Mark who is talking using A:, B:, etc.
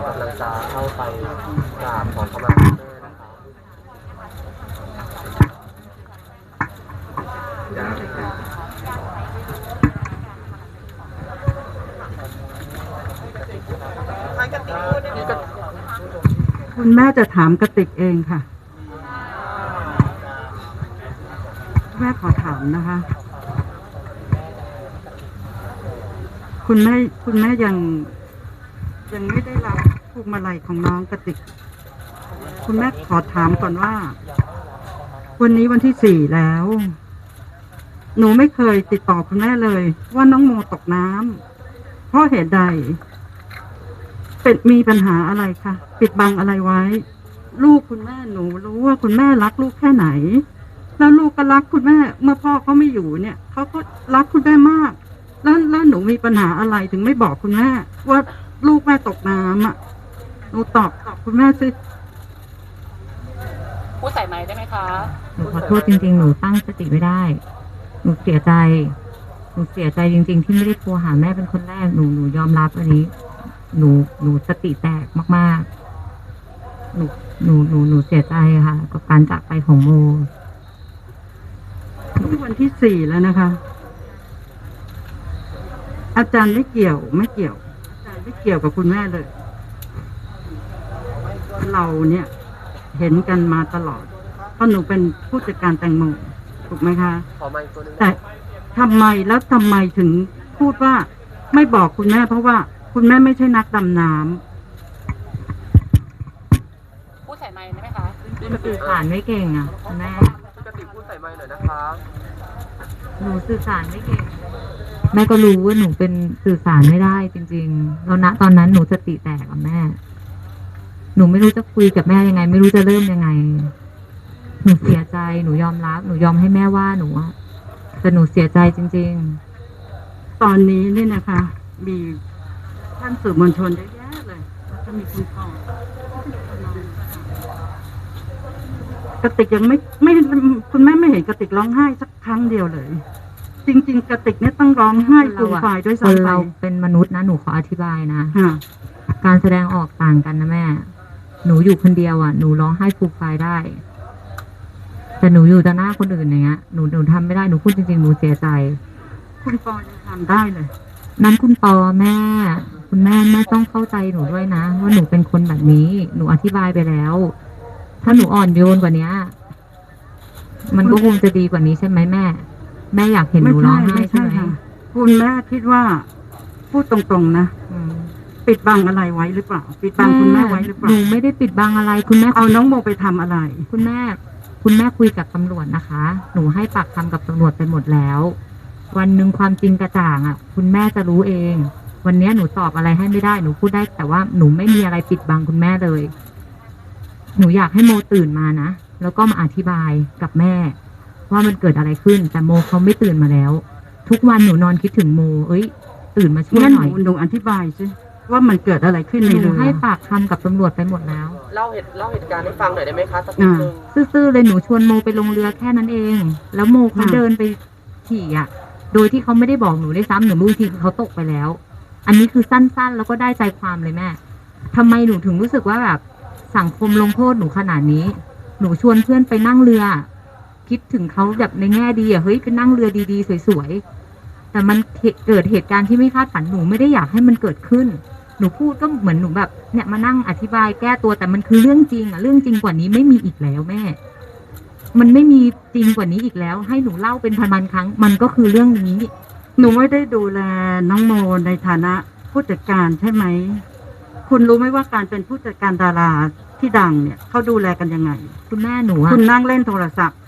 A: กำลังจะเข้าไปกราบขอขมาคุณแม่นะคะ
B: คุณแม่จะถามกติกเองค่ะแม่ขอถามนะคะ คุณแม่ยังไม่ได้รับพวงมาลัยของน้องกติกคุณแม่ขอถามก่อนว่าวันนี้วันที่ 4แล้วหนูไม่เคยติดต่อคุณแม่เลยว่าน้องโมตกน้ำเพราะเหตุใดเป็นมีปัญหาอะไรคะปิดบังอะไรไว้ลูกคุณแม่หนูรู้ว่าคุณแม่รักลูกแค่ไหนแล้วลูกก็รักคุณแม่เมื่อพ่อเขาไม่อยู่เนี่ยเขาก็รักคุณแม่มากแล้วหนูมีปัญหาอะไรถึงไม่บอกคุณแม่ว่าลูกแม่ตกน้ำอ่ะหนูตอบคุณแม่สิ
C: พูดใส่ไมค์ได้ไหมคะ
D: หนูขอโทษจริงๆหนูตั้งสติไม่ได้หนูเสียใจจริงๆที่ไม่ได้โทรหาแม่เป็นคนแรกหนูยอมรับอันนี้หนูสติแตกมากๆหนูเสียใจค่ะกับการจากไปของโม
B: ที่วันที่ 4แล้วนะคะอาจารย์ไม่เกี่ยวอาจารย์ไม่เกี่ยวกับคุณแม่เลยเราเนี่ยเห็นกันมาตลอดเพราะหนูเป็นผู้จัดการแตงโมถูกไหมคะแต่ทำไมถึงพูดว่าไม่บอกคุณแม่เพราะว่าคุณแม่ไม่ใช่นักดำน้
C: ำพูดใส่ไมค์ได้ไหมคะ
D: สื่อสารไม่เก่งอ่ะคุณแม่
A: กติพูดใส่ไมค์หน่อยนะคะ
D: หนูสื่อสารไม่เก่งแม่ก็รู้ว่าหนูเป็นสื่อสารไม่ได้จริงๆแล้วณตอนนั้นหนูสติแตกกับแม่หนูไม่รู้จะคุยกับแม่ยังไงไม่รู้จะเริ่มยังไงหนูเสียใจหนูยอมรับหนูยอมให้แม่ว่าหนูอะแต่หนูเสียใจจริง
B: ๆตอนนี้นี่นะคะมีท่านสื่อมวลชนเยอะแยะเลยแล้วก็มีคุณพ่อกติกยังไม่คุณแม่ไม่เห็นกติกร้องไห้สักครั้งเดียวเลยจริงๆกติกเนี่ยต้องร้องไห้ฟูมฟายด้วยซ้ำไป
D: เราเป็นมนุษย์นะหนูขออธิบายนะการแสดงออกต่างกันนะแม่หนูอยู่คนเดียวอ่ะหนูร้องไห้ฟูมฟายได้แต่หนูอยู่ต่อหน้าคนอื่นอย่างเงี้ยหนูทำไม่ได้หนูพูดจริงๆหนูเสียใจ
B: คุณปอยังทำได้เลย
D: นั้นคุณปอแม่คุณแม่ต้องเข้าใจหนูด้วยนะว่าหนูเป็นคนแบบนี้หนูอธิบายไปแล้วถ้าหนูอ่อนโยนกว่านี้มันก็คงจะดีกว่านี้ใช่ไหมแม่อยากเห็นหนูร้องไห้ใช่ไหม
B: คุณแม่คิดว่าพูดตรงๆนะปิดบังอะไรไว้หรือเปล่าปิดบังคุณแม่ไว้หรือเปล่า
D: หนูไม่ได้ปิดบังอะไรคุณแม่
B: เอาน้องโมไปทำอะไร
D: คุณแม่คุยกับตำรวจนะคะหนูให้ปากคำกับตำรวจไปหมดแล้ววันหนึ่งความจริงกระจ่างอ่ะคุณแม่จะรู้เองวันนี้หนูตอบอะไรให้ไม่ได้หนูพูดได้แต่ว่าหนูไม่มีอะไรปิดบังคุณแม่เลยหนูอยากให้โมตื่นมานะแล้วก็มาอธิบายกับแม่ว่ามันเกิดอะไรขึ้นแต่โมเขาไม่ตื่นมาแล้วทุกวันหนูนอนคิดถึงโมตื่นมาช่วยหน่อย
B: หนูอธิบายสิว่ามันเกิดอะไรขึ้นในเรือ
D: ให้ปากคำกับตำรวจไปหมดแล้ว
A: เล่าเหตุการณ์ให้ฟังหน่อยได้ไหมคะสักนิดนึง
D: ซื่อๆเลยหนูชวนโมไปลงเรือแค่นั้นเองแล้วโมเขาเดินไปขี่อ่ะโดยที่เขาไม่ได้บอกหนูด้วยซ้ำหนูรู้ทีคือเขาตกไปแล้วอันนี้คือสั้นๆแล้วก็ได้ใจความเลยแม่ทำไมหนูถึงรู้สึกว่าแบบสังคมลงโทษหนูขนาดนี้หนูชวนเพื่อนไปนั่งเรือคิดถึงเขาแบบในแง่ดีอ่ะเฮ้ยไปนั่งเรือดีๆสวยๆแต่มันเกิดเหตุการณ์ที่ไม่คาดฝันหนูไม่ได้อยากให้มันเกิดขึ้นหนูพูดก็เหมือนหนูแบบเนี่ยมานั่งอธิบายแก้ตัวแต่มันคือเรื่องจริงอ่ะเรื่องจริงกว่านี้ไม่มีอีกแล้วแม่มันไม่มีจริงกว่านี้อีกแล้วให้หนูเล่าเป็นพันๆครั้งมันก็คือเรื่องนี้
B: หนูไม่ได้ดูแลน้องโมในฐานะผู้จัดการใช่ไหมคุณรู้ไหมว่าการเป็นผู้จัดการดาราที่ดังเนี่ยเขาดูแลกันยังไง
D: คุณแม่หนู
B: คุณนั่งเล่นโทรศัพท์